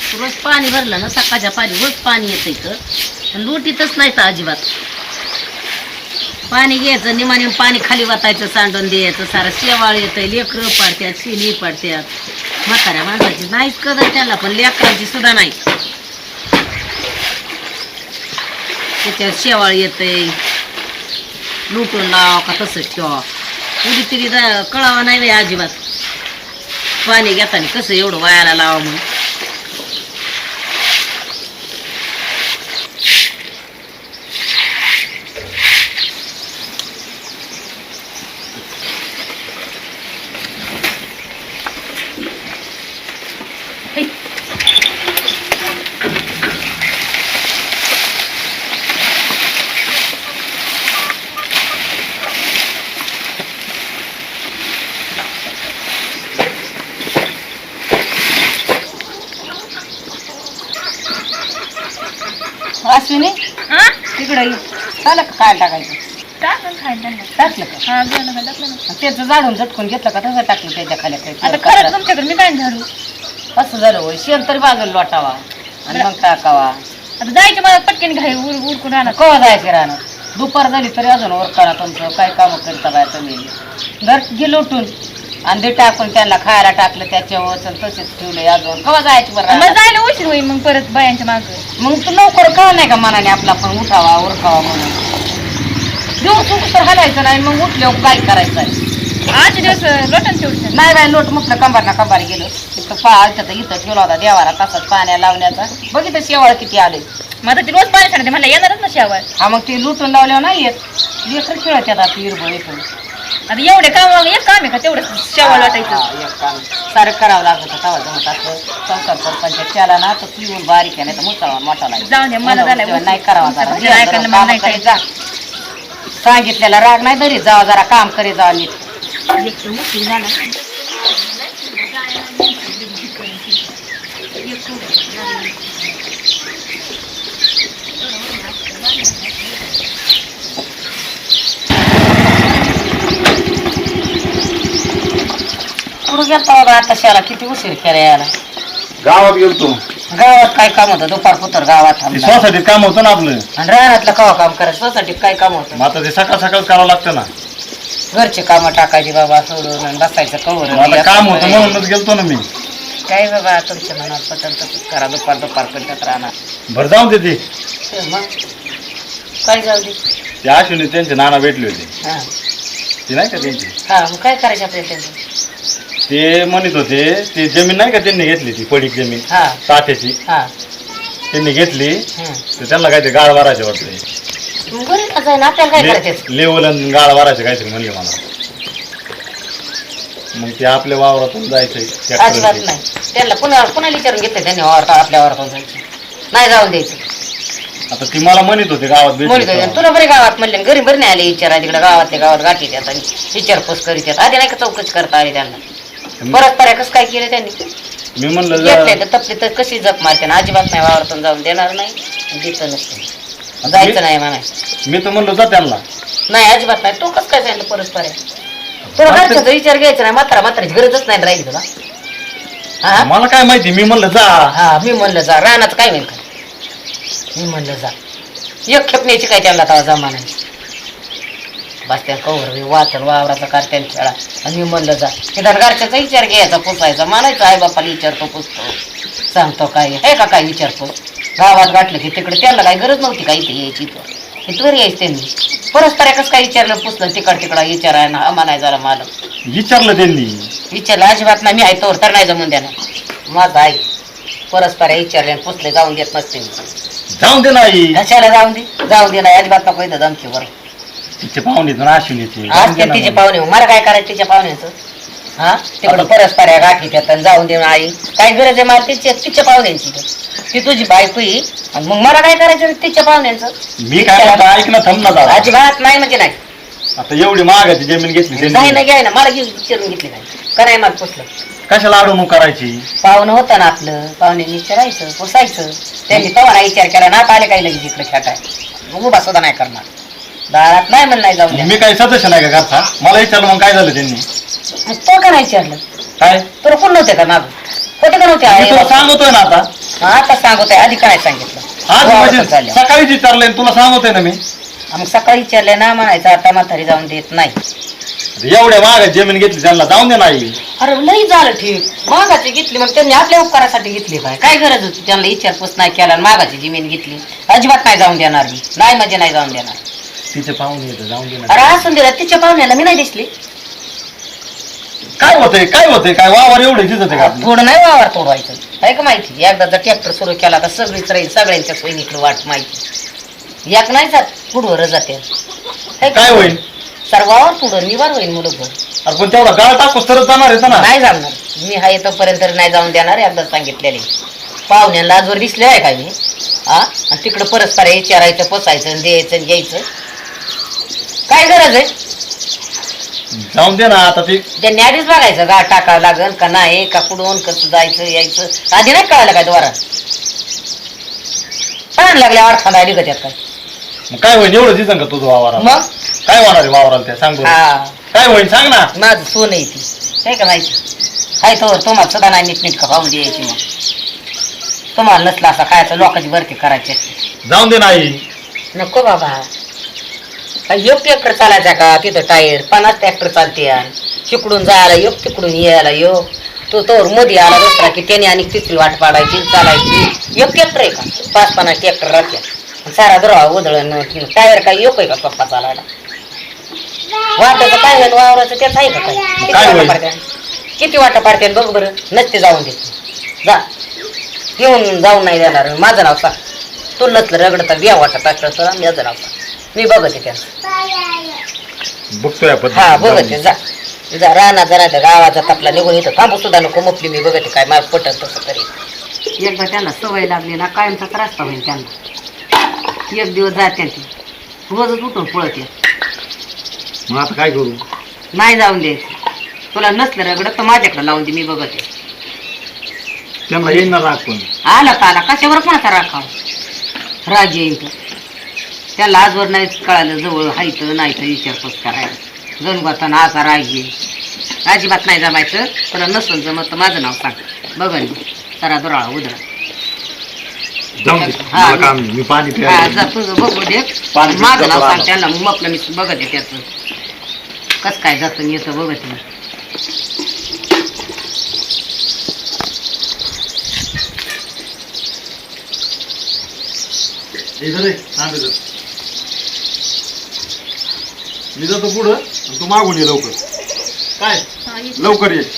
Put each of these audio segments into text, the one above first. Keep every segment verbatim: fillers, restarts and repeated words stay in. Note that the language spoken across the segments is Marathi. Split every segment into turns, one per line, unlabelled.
रोज पाणी भरलं ना सकाळच्या पाणी रोज पाणी येतं इथं पण लुटीतच नाही तर अजिबात. पाणी घ्यायचं निमाने पाणी खाली वाटायचं सांडून द्यायचं सारं शेवाळ येतं लेकरं पाडत्यात शिनी पाडत्यात म्हाताऱ्या माणसाची नाहीच कदर त्याला पण लेकरांची सुद्धा नाही. त्याच्यात शेवाळ येतंय लुटून लाव का तसंच ठेवा उडी तरी कळावा नाही बाई अजिबात. पाणी घेताना कसं एवढं वायाला लावा म्हणून. अश्विनी तिकडे चाललं का काय टाकायचं
टाकून खायला
टाकलं का
हा गेलं का टाकलं ना.
त्याचं झाडून झटकून घेतलं का तसं टाकलं त्याच्या खाली
आता खरंच तुमच्याकडे मी काय झाडू
असं झालं होय शेण तरी बाजूला लोटावा आणि मग टाकावा.
आता जायचं मला पटकन घाई उर उरकून राहणार
कवा जायचं राहणार दुपार झाली तरी अजून ओरकाना तुमचं काय कामं करता बाय तुम्ही घर गे लोटून आणि ते टाकून त्यांना खायला टाकलं त्याच्यावर तसेच ठेवले अजून कवा जायचं बरं
मग जायला उशीर होईल मग परत बायांच्या मागं.
मग तू लवकर कळा नाही का मनाने आपला पण उठावा उरकावा म्हणून देऊ चुक तर हलायचं नाही मग उठल्यावर काय करायचं आहे.
आजचे दिवस लोटन तेवढं
नाही बाय लोट म्हटलं कंबार ना कंबार गेलो इथं पा इथं इथं ठेवला होता देवारा तसाच पाण्या लावण्याचा बघितलं शेवाळ किती आले.
मग आता ती रोज पाणी सांगते मला येणारच ना शेवाळ.
हा मग ते लुटून लावल्यावर नाही येत लेकर खेळत येतात हिरबळ येतो.
आता एवढे काम एक काम आहे का तेवढं शेवाळ वाटायचं
सारं करावं लागतं तवा जमत असं संसार सरपंच केला ना तर पिऊन बारीक आहे नाही तर मोठा मोठा नाही
जाऊ द्या मला झालं
नाही करावा
तुमचं
जरा
ऐकायला मला नाही
करीत जा. सांगितलेला राग नाही तरी जावा जरा काम करीत जा नीट. कुठं गेलता बाबा आता शाला किती उशीर केला यायला.
गावात गेलतो
गावात काय काम होतं दुपार पुतर गावात
ते
थांबला.
सोसायटीत काम होतं ना आपलं
आणि रानातलं कवा काम करायचं सोसायटीत काय काम होतं
मग आता ते सकाळ सकाळ करावं लागतं ना.
घरचे कामं टाकायची बाबा सोडून आणि बसायचं कवर
मग आता काम होतं म्हणूनच गेलतो ना मी.
काय बाबा तुमच्या मनात पटल तसंच करा दुपार दुपार पडतात राहणार
बरं जाऊन दे ते
ते मग काय जाऊ दे.
ते अश्विनी त्यांचे नाना भेटले होते
हा
ते नाही का त्यांची
हा मग काय करायचं आपल्या त्यांचं.
ते म्हणत होते ते जमीन नाही का त्यांनी घेतली ती पडीक जमीन
हा
तात्याची
हा
त्यांनी घेतली
हम्म.
तर त्यांना काहीतरी गाळ वारायचे वाटते
मग बरं जाईन आपल्याला काय करायचं.
लेवल आणि गाळ वारायचे काहीतरी म्हणले मला. मग ते आपल्या वावरातून जायचंय
अजिबात नाही त्यांना पुन्हा पुन्हा विचारून घेतलं त्यांनी वावरता आपल्या वावरातून जायचं नाही जाऊन द्यायचं.
आता ती मला म्हणत होते गावात
म्हणतो
भेटली
तुला बरे गावात म्हणले घरी बरे नाही आले विचारा तिकडे गावातल्या गावात गाठी येतात आणि विचारपूस करीत येतात आधी नाही का चौकशी करता आली त्यांना. परत पर्या कसं काय केलं त्यांनी
मी म्हणलं
घेतलंय
जा-
तर तपली तर कशी जप मारते ना अजिबात नाही वावरातून जाऊन देणार नाही आणि देतं नसतं जायचं नाही म्हणाय
मी तर म्हणलो जा त्यांना
नाही अजिबात नाही तो कसं काय सांगितलं परत पर्या तुला घरच्याचा विचार घ्यायचा नाही म्हातारा म्हाताराची गरजच नाही राहील तुला. हा
मला काय माहिती मी म्हणलं जा
हा मी म्हणलं जा रानाचं काय होईल का मी म्हणलं जा एक खेप न्यायची काय त्यांना तवा जमा नाही बस त्या कवर वाचन वावराचा कारत्यान खेळा आणि मी म्हणलं जा निदान घरच्याचा विचार घ्यायचा पुसायचा म्हणायचं आई बापाला विचारतो पुसतो सांगतो काय आहे का काय विचारतो गावात गाठलं की तिकडे त्यांना काही गरज नव्हती का इथे यायची तर इथवर यायचं त्यांनी परस्पर कसं काय विचारलं पुसलं तिकड तिकडं विचाराय ना हा म्हणाय जरा मला
विचारलं त्यांनी
विचारलं अजिबात नाही मी आहे तोवर तर नाही जमून द्या ना माझं आई परस्पर विचारले आणि पुसले जाऊन देत नसते मी.
जाऊन दे नाही
कशाला जाऊन दे जाऊन दे नाही अजिबात नको इथं धमकीवर
तिचे पाहुणे अश्विनीचे
आज ते तिचे पाहुणे मला काय करायचं तिच्या पाहुण्याचं हा तिकडं परस्पर गाठी त्यात आणि जाऊन दे आई काय गरज आहे मला तिच्या तिच्या पाहुण्यांची ती तुझी बायको ही आणि मग मला काय करायचं तिच्या पाहुण्यांचं.
मी काय म्हणतो ऐक ना थांब ना जरा.
अजिबात नाही म्हणजे नाही
आता एवढी महागाची जमीन घेतली
नाही
त्यांनी
ना घ्याय ना मला घेऊन विचारून घेतली नाही का नाही मला पुसलं
कशाला अडवणूक करायची.
पाहुणं होतं ना आपलं पाहुण्यांनी विचारायचं पुसायचं त्यांनी तवा नाही विचार केला ना आले काही लगेच इकडे खेटाय मग उभा सुद्धा नाही करणार दारात नाही म्हणून नाही जाऊन द्या.
मी काही सदस्य नाही का घरचा मला विचारलं मग काय झालं त्यांनी
मग तो का नाही विचारलं
काय
तुला कोण नव्हते का माग होते का
मी तुला
नव्हते
सांगतोय ना आता
आता सांगत आहे आधी काय सांगितलं
आज
वावरात
म्हणजे
चालल्या.
सकाळीच विचारलंय आणि तुला सांगतोय ना मी
मग सकाळी विचारले ना म्हणायचं आता म्हातारी जाऊन देत नाही.
एवढ्या महागात जमीन घेतली त्यांना जाऊन दे नाही.
अरे लई झालं ठीक मागाची घेतली मग त्यांनी आपल्या उपकारासाठी घेतली काय काय गरज होती त्यांना विचारपूस नाही केला आणि मागाची जमीन घेतली अजिबात नाही जाऊन देणार मी नाही म्हणजे नाही जाऊन देणार.
तिचे पाहुणे येतं जाऊन दे
अरे
ना.
असून दिला तिच्या पाहुण्याला मी नाही दिसली.
काय होतंय काय होतंय काय वावर एवढे दिसत का आपलं?
थोडं नाही वावर तोडवायचं आहे का माहिती एकदा जर ट्रॅक्टर सुरू केला तर सगळीच राहील सगळ्यांच्या सोयीकडे वाट माहिती एक नाही जात पुढवर जाते है का?
काय होईल
सर वावर पुढं निवार होईल मुलं
अरे पण तेवढा गाळ टाकूस तरच जाणार आहे ना.
नाही जाणार मी हा येतोपर्यंत नाही जाऊन देणार एकदा सांगितलेले पाहुण्यांना आजवर दिसले आहे का मी हा आणि तिकडं परस्पर विचारायचं पोसायचं द्यायचं आणि घ्यायचं काय गरज आहे.
जाऊन दे ना आता ते
त्यांनी आधीच बघायचं गा टाकावं लागल का नाही का कुठून कसं जायचं यायचं आधी नाही कळालं काय द्वारा छान लागल्या अडखा आली का त्यात काय
मग काय होईल एवढं दिसन का तुझं वावराला
मग
काय होणार आहे वावराला त्या सांग बरं.
हा
काय होईल सांग ना.
माझं सोन आहे ती काय का माहिती हाय तो तुम्हाला सुद्धा नाही नीट नीट का पाहून द्यायची मग तुम्हाला नसला असा खायचं लोकांची भरती करायची
जाऊन दे नाही.
नको बाबा काय योग ट्रॅक्टर चालायचा का तिथं टायर पन्नास ट्रॅक्टर चालते तिकडून जायला योग तिकडून यायला योग तो तोवर मध्ये आला दुसरा की त्याने आणि तिथली वाट पाडायची चालायची योग ट्रॅक्टर आहे का पाच पन्नास ट्रॅक्टर राहते सारा दुरावा उधळण टायर काही योग आहे का पप्पा चालायला वाटायचं काय झालं वावराचं त्याच आहे का काय किती
काय
वाटा
होईल?
पाडत्या किती वाटा पाडते बघ बरं नसते जाऊन देत जा येऊन जाऊन नाही देणार माझं नाव सांग तू नसलं रगडता बिया वाटत असलं तर माझं नाव सांग मी बघते त्यांचं
बघतोय आपण.
हा
जाऊन
बघते
दे.
जा जा राणा जरा गावाचा तपला निघून येतो थांबू सुद्धा नको मुपली मी बघते काय मला पटत तसं तरी एकदा त्यांना सवय लागली ना कायमचा त्रास होईल त्यांना एक दिवस जाते ती रोजच उठून पळते
मग आता काय करू.
नाही जाऊन द्यायचं तुला नसलं रगडत तर माझ्याकडे लावून दे मी बघते
त्यांना येईन ना राग पण.
आला तर आला कशावर कोणाचा राखाव राग येईल तर त्याला आजवर नाही कळालं जवळ हायचं नाही तर विचारपूस करायला गणगोताना असा राग येईल अजिबात नाही जमायचं तुला नसून जमत तर माझं नाव सांग बघन सरा दुराळा उधळा
जाऊन दे
हा,
मला काम नाही. मी पाणी
हा
प्यायला
जा तुझं बघू दे
पाणी
माझं नाव
पितो
सांग
आता.
त्यांना मग आपलं मी बघते त्याचं कसं काय जातं आणि येतं बघते मी
इथं रे, थांब इथं. मी जातो पुढं आणि तू मागून ये लवकर. काय
हा, ये.
लवकर ये.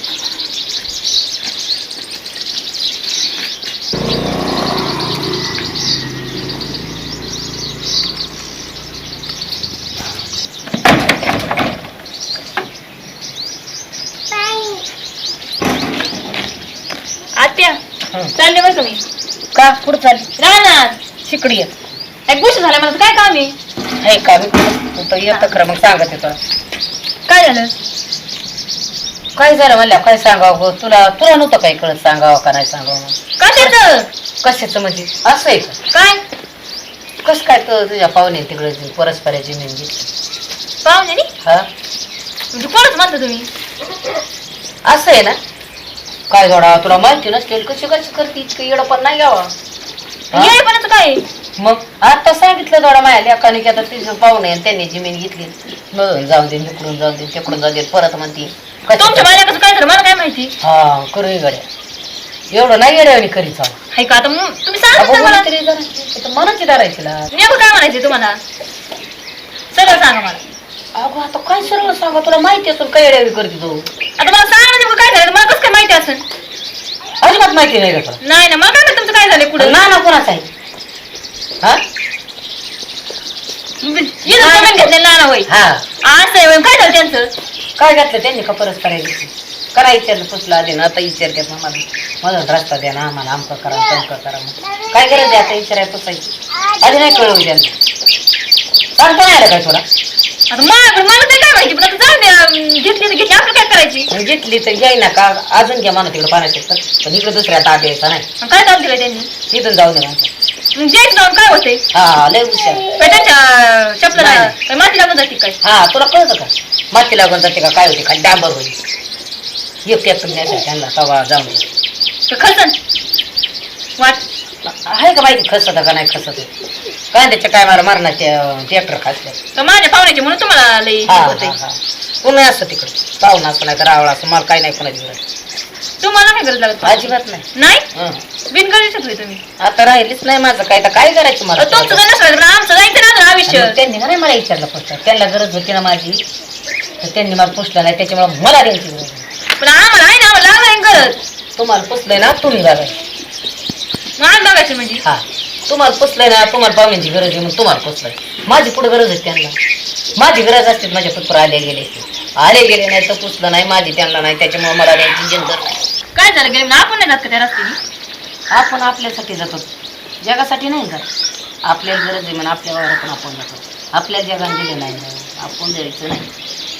आत्या चालले बरं तुम्ही
का पुढं चालली
राहणार
शिकडी ये
एक गोष्ट झाल्या मला काय काम आहे
आहे का मी तू तर येतं खरं मग सांगते तुला
काय झालं
काय झालं म्हणल्या काय सांगावं गं? तुला तुला नव्हतं काही कळत सांगावं का नाही सांगावं
का त्याचं
कशाचं म्हणजे असं आहे का
काय
कसं काय तर तुझ्या पाहुणे तिकडे परस्पराची जमीन घेतली
पाहुणे नी?
हा
म्हणजे कोणच म्हणता तुम्ही
असं आहे ना काय जोडा तुला माहिती नसतील कशी कशी करते इतकं येडं पण नाही घ्यावा हा?
येळेपणाचं काय आहे?
मग आता सांगितलं थोडा माझ्या लेखाने की आता तिचं पाहुणे आणि त्यांनी जमीन घेतली मग जाऊन दे इकडून जाऊन दे तिकडून जाऊ दे परत म्हणते
तुमच्या बायकाचं काय झालं मला काय माहिती
हा करू गड्या एवढं नाही येड्या करीत चाल
हाय का आता मग तुम्ही सांगा ना मला
मनाची धरायची ना
नेमकं काय म्हणायचं तुम्हाला सगळं सांगा मला
अगं आता काय सरळ सांगा तुला माहिती असून काय येड्यावी करते तू
आता मला सांगा ना नेमकं काय झालं मला कसं काय माहिती असेल
अजिबात माहिती नाही का तुला
नाही ना मला काय माहिती तुमचं काय झालं पुढे
ना ना कोणाचा आहे हा
जमीन घेतले नाना होय
हा
असं आहे होय. काय झालं त्यांचं
काय घातलं त्यांनी का परत करायची करा विचारलं पुसलं आधी ना आता विचारतात मग मला मला रस्ता द्या ना आम्हाला आमकं करा तमकं करा मग काय गरज आहे आता विचारायला पुसायची आधी नाही कळवू त्यांना सांगता नाही आलं काय तुला
आता मला मला ते काय माहिती पण आता जाऊ द्या घेतली तर घेतली आपलं काय करायची
मग घेतली तर घ्याय ना का अजून घ्या म्हणा तिकडे पाण्याचे तर पण इकडे दुसऱ्या ताट द्यायचा नाही
आणि काय काम दिलं त्यांनी
इथून जाऊ दे म्हणतो
मग द्यायचं जाऊन काय होते
हा लय हुशार
काय त्यांच्या चपला
नाही.
काय माती लागून जाते काय
हा तुला कळतं का माती लागून जाते का काय होते खाली डांबर होईल एक ट्रॅक्टर न्यायचं त्यांना तवा जाऊन दे
तर खर्चन वाट
आहे का माहिती खसत का नाही खसत कांद्याच्या काय मला मरणाचे ट्रॅक्टर खासले
तर माझ्या पाहुण्याची म्हणून तुम्हाला लई
हा
होतंय.
हा हा पुन्हा असतं तिकडे पाहुणा असं नाही तर रावळा असं मला काही नाही कोणाची गरज
तुम्हाला काय गरज लागत
अजिबात नाही
नाही
हं.
बिनगरजेच होय तुम्ही
आता राहिलीच नाही माझं काय तर काय करायचं मला
अहो, तुमचं काय नसलं तर आमचं जायचं ना अजून आयुष्य
आणि त्यांनी का नाही मला विचारलं फक्त त्यांना गरज होती ना माझी तर त्यांनी मला पुसलं नाही त्याच्यामुळे मला द्यायची गरज नाही.
पण आम्हाला आहे ना आम्हाला लागलं गरज
तुम्हाला पुसलंय ना तुम्ही बघा
मग आम्ही बघायचं म्हणजे
हा तुम्हाला पुसलंय ना तुम्हाला पाहुण्याची गरज आहे मग तुम्हाला पुसलंय माझी पुढे गरज आहे त्यांना माझी गरज असते माझ्या पुत्र आले गेले आले गेले नाही तर पुसलं नाही माझी त्यांना नाही त्याच्यामुळे मला द्यायची जनगर नाही
काय झालं गेलं आपण नाही जात का त्या रस्त्याने
आपण आपल्यासाठी जातो जगासाठी नाही जात आपल्याला गरज आहे म्हणून आपल्या वावरातून आपण जातो आपल्या जगाने दिले नाही आपण द्यायचं नाही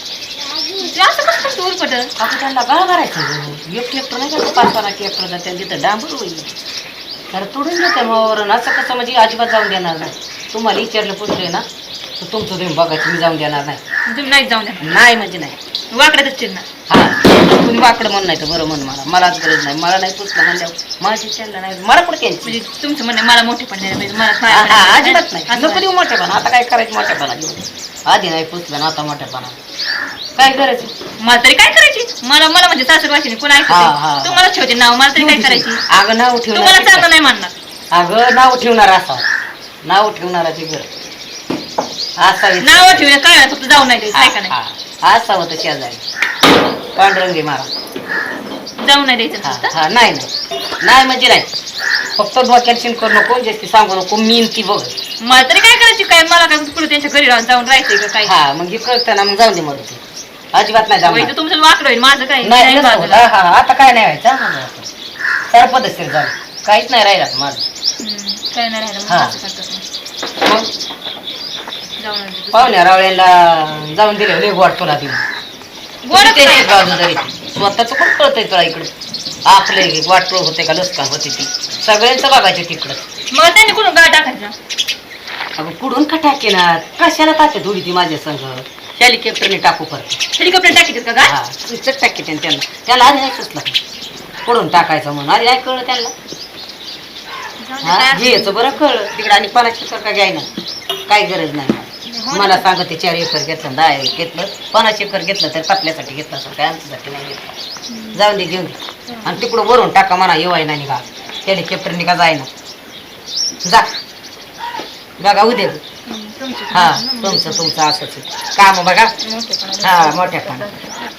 ते असं कसं कसं उरपट
आपण त्यांना काय करायचं एक ट्रॅक्टर नाही का पाच पाच ट्रॅक्टर जाते तिथं डांबर होईल तर तोडून घेते मग असं कसं म्हणजे अजिबात जाऊन देणार नाही तुम्हाला विचारलं पुढले ना तर तुमचं तुम्ही बघायचं मी जाऊन देणार नाही
तुम्ही नाहीच जाऊन द्या
नाही म्हणजे नाही
वाकड्यातच चिन्ह
हा तुम्ही वाकडं म्हण नाही तर बरं म्हण मला मलाच गरज नाही मला नाही पुसलं म्हणल्यावर माझी त्यांना नाही मला कुठे त्यांची
म्हणजे तुमचं म्हणणं मला मोठे पण नाही पाहिजे मला
हा,
काय
हा, अजिबात नाही
असं
नको देऊ मोठेपणा आता काय करायचं मोठेपणा देऊ आधी नाही पुसलं ना आता मोठेपणा काय करायचं
मला तरी काय करायची मला मला म्हणजे सासर वाशिनी कोण
हा, हा, हा.
ऐकत तुम्हाला ठेवते नाव मला तरी काय करायची
अगं नाव
तुम्हाला
ठेवणार
चांगलं नाही मानणार
अगं नाव ठेवणार असा नाव ठेवणाराची गरज असावी
नाव ठेवून काय नाही, फक्त जाऊन नाही द्यायचं आहे का नाही
हा असावं तर शेजारी पांडुरंगी मारा
जाऊन नाही द्यायचं
हा
नुसतं.
हा नाही नाही नाही म्हणजे नाही फक्त डोक्यात शिन करू नको जास्ती सांगू नको मीन ती बघ
मला तरी काय करायची काय मला काय पुढे त्यांच्या घरी राहून जाऊन राहायचंय का काय
हा मग हे कळतं ना मग जाऊ दे मग अजिबात नाही
होय,
जाऊ
तर तुमचं वाकडं होईल माझं काय
नाही
नाही
नसतं होत.
बाजूला.
हा, हा, आता काय नाही व्हायचं हा, माझं आता. तर पद्धतशीर झालं काहीच नाही राहिलं आता माझं
हम्म, काय नाही राहिलं मग
हा.
असं करतात मग.
मग
जाऊन नाही द्यायचं.
पाहुण्या रावळ्याला जाऊन दिले लय गोड तुला देऊन
गोडच
ते
नाही.
बाजू जरी स्वतःच पण कळतंय तुला इकडे आपले वाटलं होते का लसका होते ती सगळ्यांचं बघायचं तिकडं
मग त्यांनी कुठून गाळ टाकायचा
अगं कुठून का टाकेना कशाला टाके थोडी ती माझ्या संघ हेलिकॉप्टरने टाकू परत
हेलिकॉप्टर टाकीत का गाळ
हा तुमचं टाके त्यांना त्यांना त्याला आधी नाही सुचलं कुठून टाकायचं म्हणून आधी नाही कळलं त्यांना
जाऊ दे,
हा
काय
घ्यायचं बरं कळलं तिकडे आणि पन्नास एकर का घ्याय ना काही गरज नाही
हो ना.
मला सांगते चार एकर घेतलं दहा एकर घेतलं पन्नास एकर घेतलं तर आपल्यासाठी घेतलं असं काय आमच्यासाठी नाही घेतलं जाऊन दे घेऊन दे आणि तिकडं वरून टाका म्हणा येवाय ना निघा हेलिकॉप्टरने का जाय ना जा बघा उद्या
हम्म, तुमची
हा
पण-
तुमचं तुमचं असंच काम बघा
मोठेपणा.
हा मोठ्या